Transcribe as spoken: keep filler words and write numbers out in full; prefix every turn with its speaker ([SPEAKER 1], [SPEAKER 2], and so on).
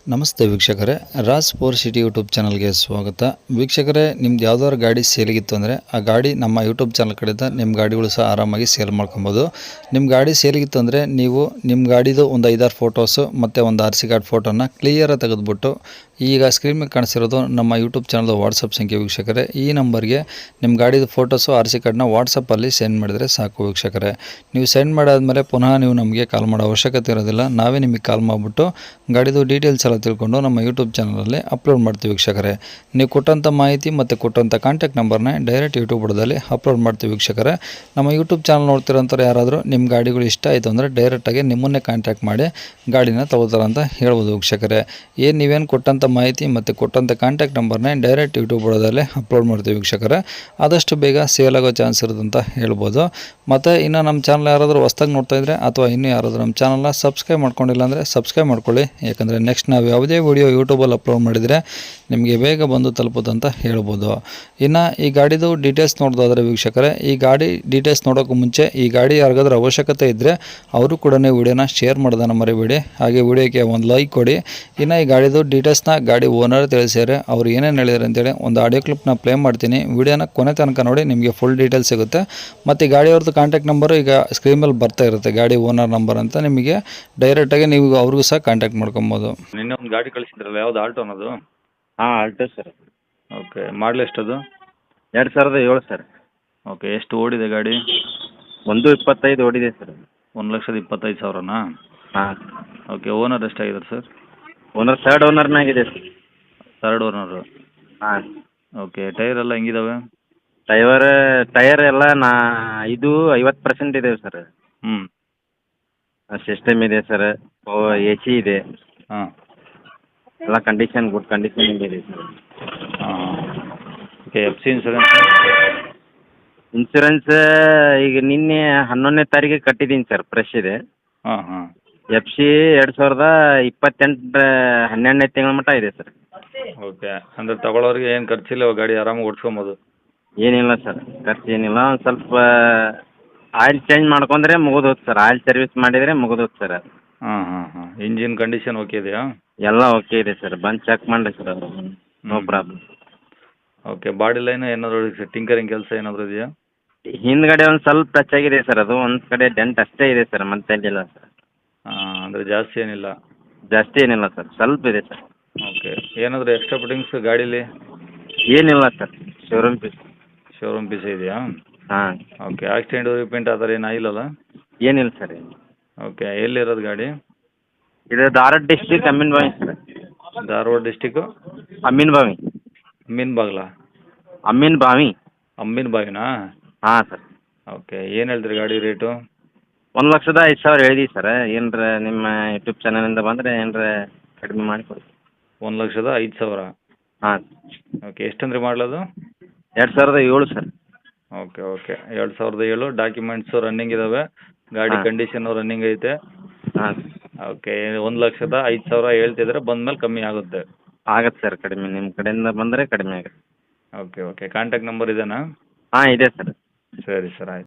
[SPEAKER 1] ನಮಸ್ತೆ ವೀಕ್ಷಕರೇ, Raj four city YouTube ಚಾನಲ್ಗೆ ಸ್ವಾಗತ. ವೀಕ್ಷಕರೇ, ನಿಮ್ದು ಯಾವ್ದಾದ್ರು ಗಾಡಿ ಸೇಲಿಗಿತ್ತು ಅಂದರೆ ಆ ಗಾಡಿ ನಮ್ಮ ಯೂಟ್ಯೂಬ್ ಚಾನಲ್ ಕಡೆಯಿಂದ ನಿಮ್ಮ ಗಾಡಿಗಳು ಸಹ ಆರಾಮಾಗಿ ಸೇಲ್ ಮಾಡ್ಕೊಬೋದು. ನಿಮ್ಮ ಗಾಡಿ ಸೇಲಿಗಿತ್ತು ಅಂದರೆ ನೀವು ನಿಮ್ಮ ಗಾಡಿದು ಒಂದು ಐದಾರು ಫೋಟೋಸು ಮತ್ತು ಒಂದು ಆರ್ ಸಿ ಕಾರ್ಡ್ ಫೋಟೋನ ಕ್ಲಿಯರಾಗಿ ತೆಗೆದುಬಿಟ್ಟು ಈಗ ಸ್ಕ್ರೀನ್ ಮೇಲೆ ಕಾಣಿಸಿರೋದು ನಮ್ಮ ಯೂಟ್ಯೂಬ್ ಚಾನಲ್ದು ವಾಟ್ಸಪ್ ಸಂಖ್ಯೆ ವೀಕ್ಷಕರೇ. ಈ ನಂಬರ್ಗೆ ನಿಮ್ಮ ಗಾಡಿದು ಫೋಟೋಸು ಆರ್ ಸಿ ಕಾರ್ಡ್ನ ವಾಟ್ಸಪ್ಪಲ್ಲಿ ಸೆಂಡ್ ಮಾಡಿದರೆ ಸಾಕು ವೀಕ್ಷಕರೇ. ನೀವು ಸೆಂಡ್ ಮಾಡಾದಮೇಲೆ ಪುನಃ ನೀವು ನಮಗೆ ಕಾಲ್ ಮಾಡೋ ಅವಶ್ಯಕತೆ ಇರೋದಿಲ್ಲ. ನಾವೇ ನಿಮಗೆ ಕಾಲ್ ಮಾಡಿಬಿಟ್ಟು ಗಾಡಿದು ಡೀಟೇಲ್ಸ್ ಎಲ್ಲ ತಿಳ್ಕೊಂಡು ನಮ್ಮ ಯೂಟ್ಯೂಬ್ ಚಾನಲಲ್ಲಿ ಅಪ್ಲೋಡ್ ಮಾಡ್ತೀವಿ ವೀಕ್ಷಕರೇ. ನೀವು ಕೊಟ್ಟಂಥ ಮಾಹಿತಿ ಮತ್ತು ಕೊಟ್ಟಂಥ ಕಾಂಟ್ಯಾಕ್ಟ್ ನಂಬರ್ನ ಡೈರೆಕ್ಟ್ ಯೂಟ್ಯೂಬ್ ಬುಡದಲ್ಲಿ ಅಪ್ಲೋಡ್ ಮಾಡ್ತೀವಿ ವೀಕ್ಷಕರೇ. ನಮ್ಮ ಯೂಟ್ಯೂಬ್ ಚಾನಲ್ ನೋಡ್ತಿರೋಂಥವ್ರು ಯಾರಾದರೂ ನಿಮ್ಮ ಗಾಡಿಗಳು ಇಷ್ಟ ಆಯಿತು ಅಂದರೆ ಡೈರೆಕ್ಟಾಗಿ ನಿಮ್ಮನ್ನೇ ಕಾಂಟ್ಯಾಕ್ಟ್ ಮಾಡಿ ಗಾಡಿನ ತಗೋತಾರೆ ಅಂತ ಹೇಳ್ಬೋದು ವೀಕ್ಷಕರೇ. ಏನು ನೀವೇನು ಕೊಟ್ಟಂಥ ಮಾಹಿತಿ ಮತ್ತು ಕೊಟ್ಟಂಥ ಕಾಂಟ್ಯಾಕ್ಟ್ ನಂಬರ್ನ ಡೈರೆಕ್ಟ್ ಯೂಟ್ಯೂಬ್ ಬುಡದಲ್ಲಿ ಅಪ್ಲೋಡ್ ಮಾಡ್ತೀವಿ ವೀಕ್ಷಕರೇ. ಆದಷ್ಟು ಬೇಗ ಸೇಲ್ ಆಗೋ ಚಾನ್ಸ್ ಇರೋದಂತ ಹೇಳ್ಬೋದು. ಮತ್ತು ಇನ್ನು ನಮ್ಮ ಚಾನಲ್ ಯಾರಾದರೂ ಹೊಸ್ದಾಗಿ ನೋಡ್ತಾ ಇದ್ದರೆ ಅಥವಾ ಇನ್ನೂ ಯಾರಾದರೂ ನಮ್ಮ ಚಾನಲ್ನ ಸಬ್ಸ್ಕ್ರೈಬ್ ಮಾಡ್ಕೊಂಡಿಲ್ಲ ಅಂದರೆ ಸಬ್ಸ್ಕ್ರೈಬ್ ಮಾಡ್ಕೊಳ್ಳಿ. ಯಾಕಂದರೆ ನೆಕ್ಸ್ಟ್ ನಾವು ಯಾವುದೇ ವಿಡಿಯೋ ಯೂಟ್ಯೂಬಲ್ಲಿ ಅಪ್ಲೋಡ್ ಮಾಡಿದರೆ ನಿಮಗೆ ಬೇಗ ಬಂದು ತಲುಪೋದಂತ ಹೇಳ್ಬೋದು. ಇನ್ನು ಈ ಗಾಡಿದು ಡೀಟೇಲ್ಸ್ ನೋಡೋದಾದರೆ ವೀಕ್ಷಕರೇ, ಈ ಗಾಡಿ ಡೀಟೇಲ್ಸ್ ನೋಡೋಕ್ಕೂ ಮುಂಚೆ ಈ ಗಾಡಿ ಯಾರಿಗಾದ್ರೂ ಅವಶ್ಯಕತೆ ಇದ್ದರೆ ಅವರು ಕೂಡ ವಿಡಿಯೋನ ಶೇರ್ ಮಾಡೋದನ್ನು ಮರಿಬೇಡಿ. ಹಾಗೆ ವಿಡಿಯೋಕ್ಕೆ ಒಂದು ಲೈಕ್ ಕೊಡಿ. ಇನ್ನು ಈ ಗಾಡಿದು ಡೀಟೇಲ್ಸ್ನ ಗಾಡಿ ಓನರ್ ತಿಳಿಸಿದರೆ ಅವ್ರು ಏನೇನು ಹೇಳಿದ್ದಾರೆ ಅಂತೇಳಿ ಒಂದು ಆಡಿಯೋ ಕ್ಲಿಪ್ನ ಪ್ಲೇ ಮಾಡ್ತೀನಿ. ವಿಡಿಯೋನ ಕೊನೆ ತನಕ ನೋಡಿ, ನಿಮಗೆ ಫುಲ್ ಡೀಟೇಲ್ಸ್ ಸಿಗುತ್ತೆ. ಮತ್ತು ಈ ಗಾಡಿಯವ್ರದ್ದು ಕಾಂಟ್ಯಾಕ್ಟ್ ನಂಬರು ಈಗ ಸ್ಕ್ರೀನ್ ಮೇಲೆ ಬರ್ತಾ ಇರುತ್ತೆ, ಗಾಡಿ ಓನರ್ ನಂಬರ್ ಅಂತ. ನಿಮಗೆ ಡೈರೆಕ್ಟಾಗಿ ನೀವು ಅವ್ರಿಗೂ ಸಹ ಕಾಂಟ್ಯಾಕ್ಟ್ ಮಾಡ್ಕೊಬೋದು.
[SPEAKER 2] ನಿನ್ನೆ ಒಂದು ಗಾಡಿ ಕಳಿಸಿದ್ರಲ್ಲ, ಯಾವ್ದು ಆಲ್ಟೋ ಅನ್ನೋದು?
[SPEAKER 3] ಹಾಂ ಆಲ್ಟೋ ಸರ್.
[SPEAKER 2] ಓಕೆ, ಮಾಡಲ್ ಎಷ್ಟದು?
[SPEAKER 3] ಎರಡು ಸಾವಿರದ ಏಳು ಸರ್.
[SPEAKER 2] ಓಕೆ, ಎಷ್ಟು ಓಡಿದೆ ಗಾಡಿ?
[SPEAKER 3] ಒಂದು ಇಪ್ಪತ್ತೈದು ಓಡಿದೆ ಸರ್.
[SPEAKER 2] ಒಂದು ಲಕ್ಷದ ಇಪ್ಪತ್ತೈದು ಸಾವಿರನಾ?
[SPEAKER 3] ಹಾಂ.
[SPEAKER 2] ಓಕೆ, ಓನರ್ ಎಷ್ಟಾಗಿದ್ದಾರೆ ಸರ್?
[SPEAKER 3] ಓನರ್ ಥರ್ಡ್ ಓನರ್ನಾಗಿದೆ ಸರ್.
[SPEAKER 2] Third owner.
[SPEAKER 3] ಹಾಂ.
[SPEAKER 2] ಓಕೆ, ಟೈರ್ ಎಲ್ಲ ಹೆಂಗಿದಾವೆ?
[SPEAKER 3] ಟೈವರ್ ಟೈರ್ ಎಲ್ಲ ನಾ ಇದು ಐವತ್ತು ಪರ್ಸೆಂಟ್ ಇದೆ ಸರ್.
[SPEAKER 2] ಹ್ಞೂ.
[SPEAKER 3] ಸಿಸ್ಟಮ್ ಇದೆ ಸರ್, ಓ ಎ ಸಿ ಇದೆ,
[SPEAKER 2] ಹಾಂ.
[SPEAKER 3] ಎಲ್ಲ ಕಂಡೀಷನ್ ಗುಡ್ ಕಂಡೀಷನ್ ಇದೆ ಸರ್.
[SPEAKER 2] ಹಾಂ. Okay, F C insurance?
[SPEAKER 3] Insurance ಈಗ ನಿನ್ನೆ ಹನ್ನೊಂದನೇ ತಾರೀಕಿಗೆ ಕಟ್ಟಿದ್ದೀನಿ ಸರ್, ಫ್ರೆಶ್ ಇದೆ.
[SPEAKER 2] ಹಾಂ ಹಾಂ.
[SPEAKER 3] ಎಫ್ ಸಿ ಎರಡು ಸಾವಿರದ ಇಪ್ಪತ್ತೆಂಟರ ಹನ್ನೆರಡನೇ ತಿಂಗಳ ಮಟ್ಟ ಇದೆ ಸರ್.
[SPEAKER 2] ಓಕೆ, ಅಂದರೆ ತಗೊಳ್ಳೋರಿಗೆ ಏನು ಖರ್ಚಿಲ್ಲ, ಗಾಡಿ ಆರಾಮಾಗಿ ಓಡಿಸ್ಕೊಬೋದು?
[SPEAKER 3] ಏನಿಲ್ಲ ಸರ್, ಖರ್ಚು ಏನಿಲ್ಲ. ಒಂದು ಸ್ವಲ್ಪ ಆಯಿಲ್ ಚೇಂಜ್ ಮಾಡ್ಕೊಂಡ್ರೆ ಮುಗಿದೋದು ಸರ್. ಆಯಿಲ್ ಸರ್ವಿಸ್ ಮಾಡಿದರೆ ಮುಗಿದೋದು ಸರ್.
[SPEAKER 2] ಹಾಂ ಹಾಂ ಹಾಂ. ಇಂಜಿನ್ ಕಂಡೀಷನ್ ಓಕೆ ಇದೆಯಾ?
[SPEAKER 3] ಎಲ್ಲ ಓಕೆ ಇದೆ ಸರ್, ಬಂದು ಚೆಕ್ ಮಾಡಿ ಸರ್, ಅದು no problem.
[SPEAKER 2] Okay, body line ಏನಾದರೂ ಟಿಂಕರಿಂಗ್ ಕೆಲಸ ಏನಾದರೂ ಇದೆಯಾ?
[SPEAKER 3] ಹಿಂದ್ಗಡೆ ಒಂದು ಸ್ವಲ್ಪ ಟಚ್ ಆಗಿದೆ ಸರ್, ಅದು ಒಂದು ಕಡೆ ಡೆಂಟ್ ಅಷ್ಟೇ ಇದೆ ಸರ್, ಮತ್ತೇನಿಲ್ಲ ಸರ್.
[SPEAKER 2] ಹಾಂ, ಅಂದರೆ ಜಾಸ್ತಿ ಏನಿಲ್ಲ?
[SPEAKER 3] ಜಾಸ್ತಿ ಏನಿಲ್ಲ ಸರ್, ಸ್ವಲ್ಪ ಇದೆ ಸರ್.
[SPEAKER 2] ಓಕೆ, ಏನಾದರೂ ಎಕ್ಸ್ಟ್ರಾ ಫಿಟ್ಟಿಂಗ್ಸ್ ಗಾಡೀಲಿ?
[SPEAKER 3] ಏನಿಲ್ಲ sir, showroom piece.
[SPEAKER 2] Showroom piece ಇದೆಯಾ?
[SPEAKER 3] ಹಾಂ.
[SPEAKER 2] ಓಕೆ, ಆಕ್ಸಿಡೆಂಟ್ ರಿಪೇಂಟ್ ಆ ಥರ ಏನು ಆಗಿಲ್ಲಲ್ಲ?
[SPEAKER 3] ಏನಿಲ್ಲ ಸರ್, ಏನು.
[SPEAKER 2] ಓಕೆ, ಎಲ್ಲಿರೋದು ಗಾಡಿ?
[SPEAKER 3] ಇದು ಧಾರವಾಡ ಡಿಸ್ಟಿಕ್ ಅಮೀನ್ ಬಾವಿ ಸರ್.
[SPEAKER 2] ಧಾರವಾಡ ಡಿಸ್ಟಿಕ್ಕು
[SPEAKER 3] ಅಮೀನ್ ಬಾವಿ.
[SPEAKER 2] ಅಮ್ಮೀನ್ ಬಾಗ್ಲ?
[SPEAKER 3] ಅಮೀನ್ ಬಾವಿ.
[SPEAKER 2] ಅಮ್ಮೀನ್ ಬಾವಿನಾ?
[SPEAKER 3] ಹಾಂ ಸರ್.
[SPEAKER 2] ಓಕೆ, ಏನು ಹೇಳ್ತೀರಿ ಗಾಡಿ ರೇಟು?
[SPEAKER 3] ಒಂದು ಲಕ್ಷದ ಐದು ಸಾವಿರ ಹೇಳಿದ್ದೀವಿ ಸರ್. ಏನರ ನಿಮ್ಮ ಯೂಟ್ಯೂಬ್ ಚಾನಲಿಂದ ಬಂದರೆ ಏನರ ಕಡಿಮೆ ಮಾಡಿ ಕೊಡಿ.
[SPEAKER 2] ಒಂದು ಲಕ್ಷದ ಐದು ಸಾವಿರ?
[SPEAKER 3] ಹಾಂ.
[SPEAKER 2] ಓಕೆ, ಎಷ್ಟಂದ್ರೆ ಮಾಡಲದು?
[SPEAKER 3] ಎರಡು ಸಾವಿರದ ಏಳು ಸರ್.
[SPEAKER 2] ಓಕೆ ಓಕೆ, ಎರಡು ಸಾವಿರದ ಏಳು. ಡಾಕ್ಯುಮೆಂಟ್ಸು ರನ್ನಿಂಗ್ ಇದ್ದಾವೆ, ಗಾಡಿ
[SPEAKER 3] ಹಾಂ.
[SPEAKER 2] ಕಂಡೀಷನು ರನ್ನಿಂಗ್ ಐತೆ.
[SPEAKER 3] ಹಾಂ.
[SPEAKER 2] ಓಕೆ, ಒಂದು ಲಕ್ಷದ ಐದು ಸಾವಿರ ಹೇಳ್ತಿದ್ರೆ ಬಂದಮೇಲೆ ಕಮ್ಮಿ ಆಗುತ್ತೆ?
[SPEAKER 3] ಆಗತ್ತೆ ಸರ್, ಕಡಿಮೆ ನಿಮ್ಮ ಕಡೆಯಿಂದ ಬಂದರೆ ಕಡಿಮೆ ಆಗುತ್ತೆ.
[SPEAKER 2] ಓಕೆ ಓಕೆ, ಕಾಂಟ್ಯಾಕ್ಟ್ ನಂಬರ್ ಇದೆಯಾ?
[SPEAKER 3] ಹಾಂ ಇದೆ ಸರ್.
[SPEAKER 2] ಸರಿ ಸರ್, ಆಯ್ತು.